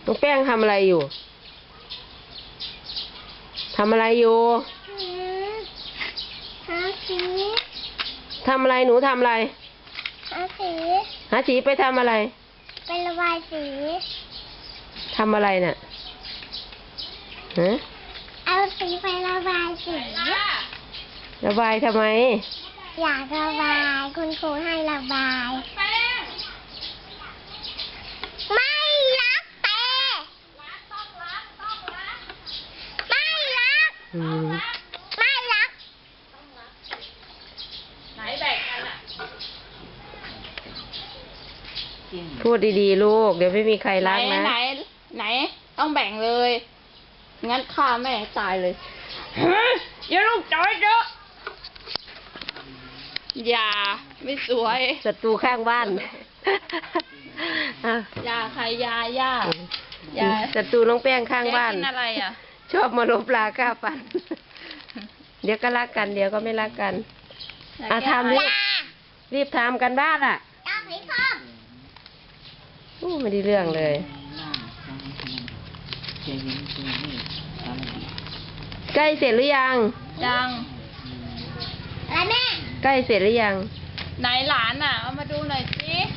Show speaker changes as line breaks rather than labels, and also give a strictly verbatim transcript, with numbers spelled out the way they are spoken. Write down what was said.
น้องแป้งทำอะไรอยู่ทำอะไรอยู่
หาสี
ทำอะไรหนูทำอะไร
หาสี
หาสีไปทำอะไร
ไประบายสี
ทำอะไรเนี่ยฮะ
เอาสีไประบายสี
ระบายทำไม
อยากระบายคุณครูให้ระบายไม่รักแต่ไม่รัก
อืม
ไม่รัก
ไหนแบ่งกันอ่ะ
พูดดีๆลูกเดี๋ยวไม่มีใครรักนะ
ไหนไหนต้องแบ่งเลยงั้นฆ่าแม่ให้ตายเลยอย่าลูกจอยเด้ออย่าไม่สวย
ศัตรูข้างบ้านอ่ะ
อย่าใครยาย่าอย่า
ศัตรูน้องแป้งข้างบ้าน
กินอะไรอ่ะ
ชอบมาลบลาก้าฟัน เดี๋ยวก็รักกัน เดี๋ยวก็ไม่รักกันอ่ะทำรีบรีบทำกันบ้านอ่ะ
อยากให้พ่อ
อู้ไม่ได้เรื่องเลยใกล้เสร็จหรือยัง
ยัง
อะไรแม่
ใกล้เสร็จหรือยัง
ไหนหลานอ่ะเอามาดูหน่อยสิ